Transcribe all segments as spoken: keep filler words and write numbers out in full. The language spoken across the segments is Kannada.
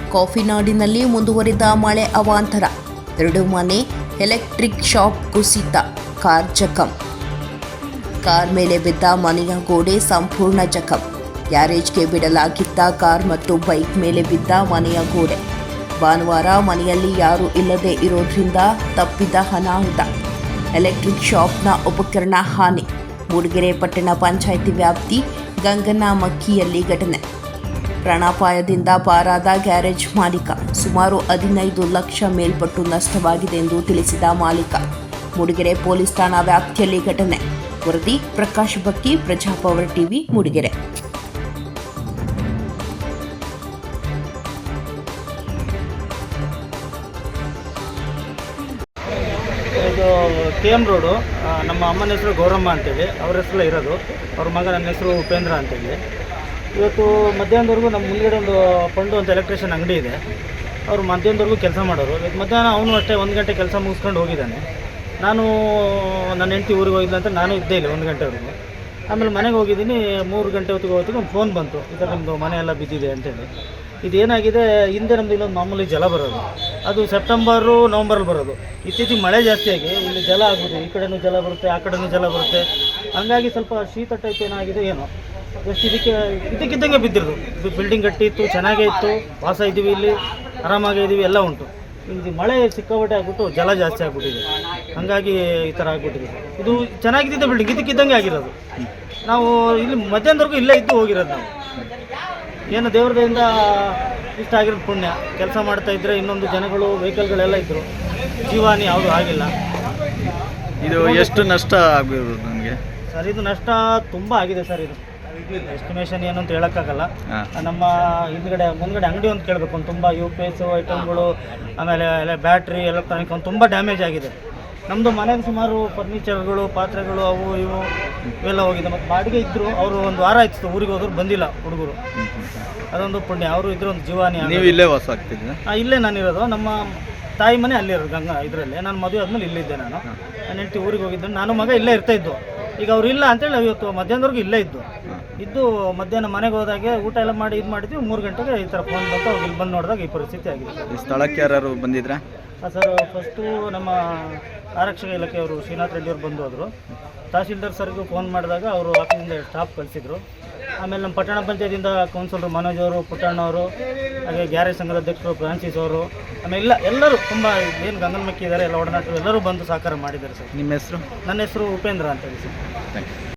ಕಾಫಿ ನಾಡಿನಲ್ಲಿ ಮುಂದುವರಿದ ಮಳೆ ಅವಾಂತರ. ಎರಡು ಮನೆ, ಎಲೆಕ್ಟ್ರಿಕ್ ಶಾಪ್ ಕುಸಿತ, ಕಾರ್ ಜಖಂ. ಕಾರ್ ಮೇಲೆ ಬಿದ್ದ ಮನೆಯ ಗೋಡೆ ಸಂಪೂರ್ಣ ಜಖಂ. ಗ್ಯಾರೇಜ್ಗೆ ಬಿಡಲಾಗಿದ್ದ ಕಾರ್ ಮತ್ತು ಬೈಕ್ ಮೇಲೆ ಬಿದ್ದ ಮನೆಯ ಗೋಡೆ. ಭಾನುವಾರ ಮನೆಯಲ್ಲಿ ಯಾರೂ ಇಲ್ಲದೆ ಇರೋದ್ರಿಂದ ತಪ್ಪಿದ ಅನಾಹುತ. ಎಲೆಕ್ಟ್ರಿಕ್ ಶಾಪ್ನ ಉಪಕರಣ ಹಾನಿ. ಮೂಡಿಗೆರೆ ಪಟ್ಟಣ ಪಂಚಾಯಿತಿ ವ್ಯಾಪ್ತಿ ಗಂಗನಮಕ್ಕಿಯಲ್ಲಿ ಘಟನೆ. ಪ್ರಾಣಾಪಾಯದಿಂದ ಪಾರಾದ ಗ್ಯಾರೇಜ್ ಮಾಲೀಕ. ಸುಮಾರು ಹದಿನೈದು ಲಕ್ಷ ಮೇಲ್ಪಟ್ಟು ನಷ್ಟವಾಗಿದೆ ಎಂದು ತಿಳಿಸಿದ ಮಾಲೀಕ. ಮೂಡಿಗೆರೆ ಪೊಲೀಸ್ ಠಾಣಾ ವ್ಯಾಪ್ತಿಯಲ್ಲಿ ಘಟನೆ. ವರದಿ ಪ್ರಕಾಶ್ ಬಕ್ಕಿ, ಪ್ರಜಾಪವರ್ ಟಿವಿ, ಮೂಡಿಗೆರೆ. ಇದು ಕೆ ಎಮ್ ರೋಡು. ನಮ್ಮ ಅಮ್ಮನ ಹೆಸರು ಗೌರಮ್ಮ ಅಂತೇಳಿ, ಅವ್ರ ಹೆಸರು ಇರೋದು. ಅವ್ರ ಮಗ ನನ್ನ ಹೆಸರು ಉಪೇಂದ್ರ ಅಂತೇಳಿ. ಇವತ್ತು ಮಧ್ಯಾಹ್ನದವರೆಗೂ ನಮ್ಮ ಮುಂದ್ಗಡೆ ಒಂದು ಪಂಡು ಅಂತ ಎಲೆಕ್ಟ್ರಿಷಿಯನ್ ಅಂಗಡಿ ಇದೆ. ಅವರು ಮಧ್ಯಾಹ್ನದವರೆಗೂ ಕೆಲಸ ಮಾಡೋರು. ಇವತ್ತು ಮಧ್ಯಾಹ್ನ ಅವನು ಅಷ್ಟೇ ಒಂದು ಗಂಟೆ ಕೆಲಸ ಮುಗಿಸ್ಕೊಂಡು ಹೋಗಿದ್ದಾನೆ. ನಾನು ನನ್ನ ಹೆಂಡತಿ ಊರಿಗೆ ಹೋಗಿದ್ದೆ ಅಂತ ನಾನು ಇದ್ದೇ ಇಲ್ಲ ಒಂದು ಗಂಟೆವರೆಗೂ. ಆಮೇಲೆ ಮನೆಗೆ ಹೋಗಿದ್ದೀನಿ. ಮೂರು ಗಂಟೆ ಹೊತ್ತಿಗೆ ಹೊತ್ತಿಗೆ ಒಂದು ಫೋನ್ ಬಂತು, ಈ ಥರ ನಿಮ್ಮದು ಮನೆ ಎಲ್ಲ ಬಿದ್ದಿದೆ ಅಂತೇಳಿ. ಇದೇನಾಗಿದೆ, ಹಿಂದೆ ನಮ್ಮದು ಇಲ್ಲೊಂದು ಮಾಮೂಲಿ ಜಲ ಬರೋದು, ಅದು ಸೆಪ್ಟೆಂಬರು ನವಂಬರಲ್ಲಿ ಬರೋದು. ಇತ್ತೀಚೆಗೆ ಮಳೆ ಜಾಸ್ತಿಯಾಗಿ ಇಲ್ಲಿ ಜಲ ಆಗುತ್ತೆ. ಈ ಕಡೆನೂ ಜಲ ಬರುತ್ತೆ, ಆ ಕಡೆನೂ ಜಲ ಬರುತ್ತೆ. ಹಂಗಾಗಿ ಸ್ವಲ್ಪ ಶೀತ ಟೈಪ್ ಏನಾಗಿದೆ ಏನೋ, ಜಸ್ಟ್ ಇದಕ್ಕೆ ಇದಕ್ಕಿದ್ದಂಗೆ ಬಿದ್ದಿರೋದು. ಇದು ಬಿಲ್ಡಿಂಗ್ ಗಟ್ಟಿ ಇತ್ತು, ಚೆನ್ನಾಗೇ ಇತ್ತು, ವಾಸ ಇದ್ದೀವಿ, ಇಲ್ಲಿ ಆರಾಮಾಗೇ ಇದ್ದೀವಿ, ಎಲ್ಲ ಉಂಟು. ಇದು ಮಳೆ ಸಿಕ್ಕಾಪಟ್ಟೆ ಆಗಿಬಿಟ್ಟು ಜಲ ಜಾಸ್ತಿ ಆಗಿಬಿಟ್ಟಿದೆ. ಹಾಗಾಗಿ ಈ ಥರ ಆಗಿಬಿಟ್ಟಿದೆ. ಇದು ಚೆನ್ನಾಗಿದ್ದ ಬಿಲ್ಡಿಂಗ್ ಇದಕ್ಕಿದ್ದಂಗೆ ಆಗಿರೋದು. ನಾವು ಇಲ್ಲಿ ಮಧ್ಯಾಹ್ನದವರೆಗೂ ಇಲ್ಲೇ ಇದ್ದು ಹೋಗಿರೋದು. ನಾವು ಏನು ದೇವ್ರದಿಂದ ಇಷ್ಟ ಆಗಿರೋದು ಪುಣ್ಯ. ಕೆಲಸ ಮಾಡ್ತಾ ಇದ್ದರೆ ಇನ್ನೊಂದು ಜನಗಳು ವೆಹಿಕಲ್ಗಳೆಲ್ಲ ಇದ್ದರು, ಜೀವಾನಿ ಯಾವುದು ಆಗಿಲ್ಲ. ಇದು ಎಷ್ಟು ನಷ್ಟ ಆಗಿರೋದು ನಮಗೆ ಸರ್? ಇದು ನಷ್ಟ ತುಂಬ ಆಗಿದೆ ಸರ್. ಇದು ಎಸ್ಟಿಮೇಷನ್ ಏನು ಅಂತ ಹೇಳೋಕ್ಕಾಗಲ್ಲ. ನಮ್ಮ ಹಿಂದ್ಗಡೆ ಮುಂದ್ಗಡೆ ಅಂಗಡಿ ಒಂದು ಕೇಳಬೇಕು, ಒಂದು ತುಂಬ ಯು ಪಿ ಎಸ್ ಐಟಮ್ಗಳು, ಆಮೇಲೆ ಎಲ್ಲ ಬ್ಯಾಟ್ರಿ, ಎಲೆಕ್ಟ್ರಾನಿಕ್ ಒಂದು ತುಂಬ ಡ್ಯಾಮೇಜ್ ಆಗಿದೆ. ನಮ್ಮದು ಮನೆಗೆ ಸುಮಾರು ಫರ್ನಿಚರ್ಗಳು, ಪಾತ್ರೆಗಳು, ಅವು ಇವು ಇವೆಲ್ಲ ಹೋಗಿದೆ. ಮತ್ತು ಬಾಡಿಗೆ ಇದ್ದರು, ಅವರು ಒಂದು ವಾರ ಆಯ್ತು ಊರಿಗೆ ಹೋದ್ರು, ಬಂದಿಲ್ಲ ಹುಡುಗರು. ಅದೊಂದು ಪುಣ್ಯ. ಅವರು ಇದ್ರೂ ಒಂದು ಜೀವಾನಿ. ನೀವು ಇಲ್ಲೇ ವಾಸ ಆಗ್ತಿದ್ದೆ? ಹಾಂ, ಇಲ್ಲೇ ನಾನಿರೋದು. ನಮ್ಮ ತಾಯಿ ಮನೆ ಅಲ್ಲಿರೋದು ಗಂಗಾ ಇದರಲ್ಲಿ. ನಾನು ಮದುವೆ ಆದಮೇಲೆ ಇಲ್ಲಿದ್ದೆ. ನಾನು ನನ್ನ ಹೆಂಡತಿ ಊರಿಗೆ ಹೋಗಿದ್ದೆ, ನಾನು ಮಗ ಇಲ್ಲೇ ಇರ್ತಾಯಿದ್ದು. ಈಗ ಅವ್ರು ಇಲ್ಲ ಅಂತೇಳಿ ನಾವು ಇವತ್ತು ಮಧ್ಯಾಹ್ನದವರೆಗೂ ಇಲ್ಲೇ ಇದ್ದು ಇದ್ದು ಮಧ್ಯಾಹ್ನ ಮನೆಗೆ ಹೋದಾಗೆ ಊಟ ಎಲ್ಲ ಮಾಡಿ ಇದು ಮಾಡಿದ್ವಿ. ಮೂರು ಗಂಟೆಗೆ ಈ ಥರ ಫೋನ್ ಬಂತು. ಅವ್ರು ಇಲ್ಲಿ ಬಂದು ನೋಡಿದಾಗ ಈ ಪರಿಸ್ಥಿತಿ ಆಗಿದೆ. ಈ ಸ್ಥಳಕ್ಕೆ ಯಾರು ಬಂದಿದ್ರಾ? ಹಾಂ ಸರ್, ಫಸ್ಟು ನಮ್ಮ ಆರಕ್ಷಕ ಇಲಾಖೆಯವರು ಶ್ರೀನಾಥ್ ರೆಡ್ಡಿ ಅವರು ಬಂದು ಹೋದರು. ತಹಸೀಲ್ದಾರ್ ಸರ್ಗೂ ಫೋನ್ ಮಾಡಿದಾಗ ಅವರು ಆಫೀಸಿಂದ ಸ್ಟಾಫ್ ಕಳಿಸಿದ್ರು. ಆಮೇಲೆ ನಮ್ಮ ಪಟ್ಟಣ ಪಂಚಾಯತಿಯಿಂದ ಕೌನ್ಸಿಲರು ಮನೋಜ್ ಅವರು, ಪುಟ್ಟಣ್ಣವರು, ಹಾಗೆ ಗ್ಯಾರೇಜ್ ಸಂಘದ ಅಧ್ಯಕ್ಷರು ಫ್ರಾನ್ಸಿಸ್ ಅವರು, ಆಮೇಲೆ ಇಲ್ಲ ಎಲ್ಲರೂ ತುಂಬ ಏನು ಗಂಗನಮಕ್ಕಿ ಇದ್ದಾರೆ ಎಲ್ಲ ಒಡನಾಟರು ಎಲ್ಲರೂ ಬಂದು ಸಹಕಾರ ಮಾಡಿದ್ದಾರೆ ಸರ್. ನಿಮ್ಮ ಹೆಸರು? ನನ್ನ ಹೆಸರು ಉಪೇಂದ್ರ ಅಂತ ಹೇಳಿ ಸರ್. Thank you.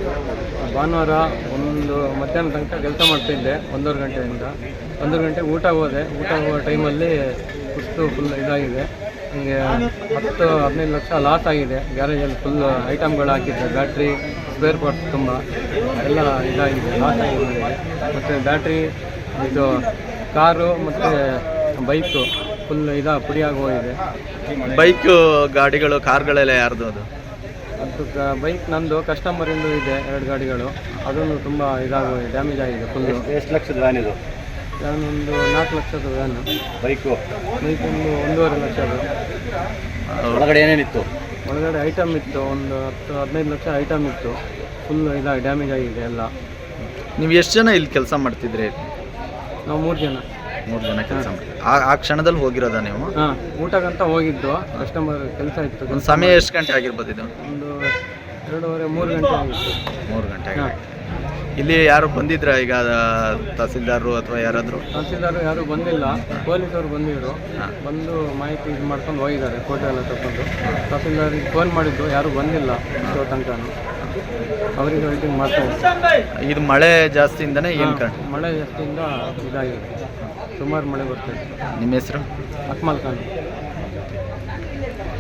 ಭಾನುವಾರ ಒಂದು ಮಧ್ಯಾಹ್ನ ತನಕ ಕೆಲಸ ಮಾಡ್ತಿದ್ದೆ, ಒಂದೂವರೆ ಗಂಟೆಯಿಂದ. ಒಂದೂವರೆ ಗಂಟೆ ಊಟ ಹೋದೆ. ಊಟ ಹೋಗೋ ಟೈಮಲ್ಲಿ ಕುಸ್ತು ಫುಲ್ ಇದಾಗಿದೆ. ನನಗೆ ಹತ್ತು ಹದಿನೈದು ಲಕ್ಷ ಲಾಸ್ ಆಗಿದೆ. ಗ್ಯಾರೇಜಲ್ಲಿ ಫುಲ್ ಐಟಮ್ಗಳು ಹಾಕಿದ್ದೆ, ಬ್ಯಾಟ್ರಿ, ಸ್ಪೇರ್ ಪಾರ್ಟ್ಸ್ ತುಂಬ ಎಲ್ಲ ಇದಾಗಿದೆ, ಲಾಸ್ ಆಗಿದೆ ನನಗೆ. ಮತ್ತು ಬ್ಯಾಟ್ರಿ, ಇದು ಕಾರು ಮತ್ತು ಬೈಕು ಫುಲ್ ಇದಾ ಪುಡಿಯಾಗಿ ಹೋಗಿದೆ. ಬೈಕು, ಗಾಡಿಗಳು, ಕಾರ್ಗಳೆಲ್ಲ ಯಾರ್ದು? ಅದು ಅದು ಬೈಕ್ ನಂದು, ಕಸ್ಟಮರಿಂದು ಇದೆ ಎರಡು ಗಾಡಿಗಳು. ಅದನ್ನು ತುಂಬ ಇದಾಗಿ ಡ್ಯಾಮೇಜ್ ಆಗಿದೆ ಫುಲ್ಲು. ಎಷ್ಟು ಲಕ್ಷದ ವ್ಯಾನ್ ಇದು? ನಾನೊಂದು ನಾಲ್ಕು ಲಕ್ಷದ ವ್ಯಾನು. ಬೈಕು ಬೈಕ್ ಒಂದು ಒಂದೂವರೆ ಲಕ್ಷದ. ಒಳಗಡೆ ಏನೇನಿತ್ತು? ಒಳಗಡೆ ಐಟಮ್ ಇತ್ತು, ಒಂದು ಹತ್ತು ಹದಿನೈದು ಲಕ್ಷ ಐಟಮ್ ಇತ್ತು. ಫುಲ್ ಇದಾಗಿ ಡ್ಯಾಮೇಜ್ ಆಗಿದೆ ಎಲ್ಲ. ನೀವು ಎಷ್ಟು ಜನ ಇಲ್ಲಿ ಕೆಲಸ ಮಾಡ್ತಿದ್ರಿ? ನಾವು ಮೂರು ಜನ ಮೂರು ಜನ ಕೆಲಸ ಮಾಡಿ ಆ ಆ ಕ್ಷಣದಲ್ಲಿ ಹೋಗಿರೋದಾ ನೀವು? ಹಾಂ, ಊಟಕ್ಕಂತ ಹೋಗಿದ್ದು. ಕಸ್ಟಮರ್ ಕೆಲಸ ಇತ್ತು. ಒಂದು ಸಮಯ ಎಷ್ಟು ಗಂಟೆ ಆಗಿರ್ಬೋದು ಇದು? ಒಂದು ಎರಡೂವರೆ ಮೂರು ಗಂಟೆ ಆಗಿತ್ತು. ಮೂರು ಗಂಟೆ ಆಗಿ. ಇಲ್ಲಿ ಯಾರು ಬಂದಿದ್ರಾ ಈಗ? ತಹಸೀಲ್ದಾರರು ಅಥವಾ ಯಾರಾದರೂ? ತಹಸೀಲ್ದಾರು ಯಾರೂ ಬಂದಿಲ್ಲ, ಪೊಲೀಸರು ಬಂದಿದ್ರು. ಬಂದು ಮಾಹಿತಿ ಇದು ಮಾಡ್ಕೊಂಡು ಹೋಗಿದ್ದಾರೆ, ಫೋಟೋ ಎಲ್ಲ ತಗೊಂಡು. ತಹಸೀಲ್ದಾರಿಗೆ ಫೋನ್ ಮಾಡಿದ್ದು, ಯಾರೂ ಬಂದಿಲ್ಲ ಇಷ್ಟೋ ತನಕ. ಅವರಿಗೆ ವೆಯ್ಟಿಂಗ್ ಮಾಡ್ತಾ ಇದ್ದಾರೆ. ಇದು ಮಳೆ ಜಾಸ್ತಿಯಿಂದನೇ ಏನು ಕಾರಣ? ಮಳೆ ಜಾಸ್ತಿಯಿಂದ ಇದಾಗಿದೆ, ಸುಮಾರು ಮಳೆ ಬರ್ತಾಯಿದೆ. ನಿಮ್ಮ ಹೆಸರು? ಅಕ್ಮಲ್ ಖಾನ್.